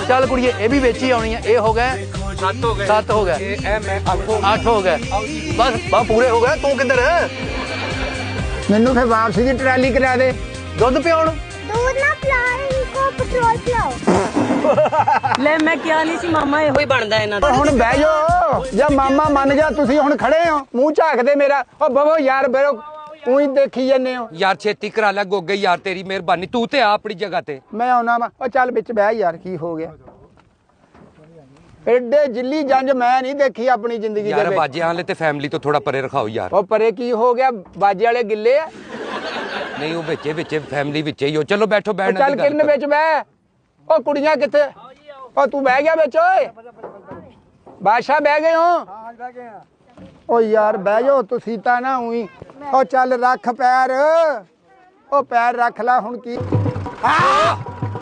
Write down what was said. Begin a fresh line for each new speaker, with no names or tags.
चल कुड़िए ये भी बेची आनी है। ये हो गए 7 हो गए 8 हो गए बस पूरे हो गए। तू किधर है?
मैनू फिर वापसी की ट्राली करा दे।
दुध पियाउण
दूध ना पिलाओ इनको पेट्रोल पिलाओ।
ले मैं क्या नहीं सी मामा ਇਹੋ ਹੀ ਬਣਦਾ ਇਹਨਾਂ ਦਾ।
ਹੁਣ ਬਹਿ ਜਾਓ ਜਾਂ ਮਾਮਾ ਮੰਨ ਜਾ। ਤੁਸੀਂ ਹੁਣ ਖੜੇ ਹੋ ਮੂੰਹ ਝਾਕਦੇ ਮੇਰਾ। ਉਹ ਬਵੋ ਯਾਰ ਬਰੋ ਉਹੀ ਦੇਖੀ ਜਾਂਦੇ ਹੋ
ਯਾਰ। ਛੇਤੀ ਕਰਾ ਲੈ ਗੋਗੇ ਯਾਰ, ਤੇਰੀ ਮਿਹਰਬਾਨੀ। ਤੂੰ ਤੇ ਆ ਆਪਣੀ ਜਗ੍ਹਾ ਤੇ।
ਮੈਂ ਆਉਣਾ ਵਾ। ਉਹ ਚੱਲ ਵਿੱਚ ਬਹਿ ਯਾਰ ਕੀ ਹੋ ਗਿਆ। ਐਡੇ ਜਿੱਲੀ ਜੰਜ ਮੈਂ ਨਹੀਂ ਦੇਖੀ ਆਪਣੀ ਜ਼ਿੰਦਗੀ ਦੇ
ਯਾਰ
ਵਿੱਚ।
ਬਾਜਿਆਂ ਵਾਲੇ ਤੇ ਫੈਮਿਲੀ ਤੋਂ ਥੋੜਾ ਪਰੇ ਰਖਾਓ ਯਾਰ।
ਉਹ ਪਰੇ ਕੀ ਹੋ ਗਿਆ? ਬਾਜੇ ਵਾਲੇ ਗਿੱਲੇ ਆ।
ਨਹੀਂ ਉਹ ਵਿੱਚੇ ਫੈਮਿਲੀ ਵਿੱਚੇ ਹੀ ਹੋ। ਚਲੋ ਬੈਠੋ ਬੈਠਣਾ।
ਚੱਲ ਕਿਰਨ ਵਿੱਚ ਬਹਿ। ਉਹ ਕੁੜੀਆਂ ਕਿੱਥੇ? ਉਹ ਤੂੰ ਬਹਿ ਗਿਆ ਵਿੱਚ ਓਏ? ਬਾਦਸ਼ਾਹ ਬਹਿ ਗਏ ਹੋ? ਓ ਯਾਰ ਬਹਿ ਜਾਓ ਤੁਸੀਂ ਤਾਂ ਨਾ ਉਹੀ। ਉਹ ਚੱਲ ਰੱਖ ਪੈਰ। ਉਹ ਪੈਰ ਰੱਖ ਲੈ ਹੁਣ ਕੀ।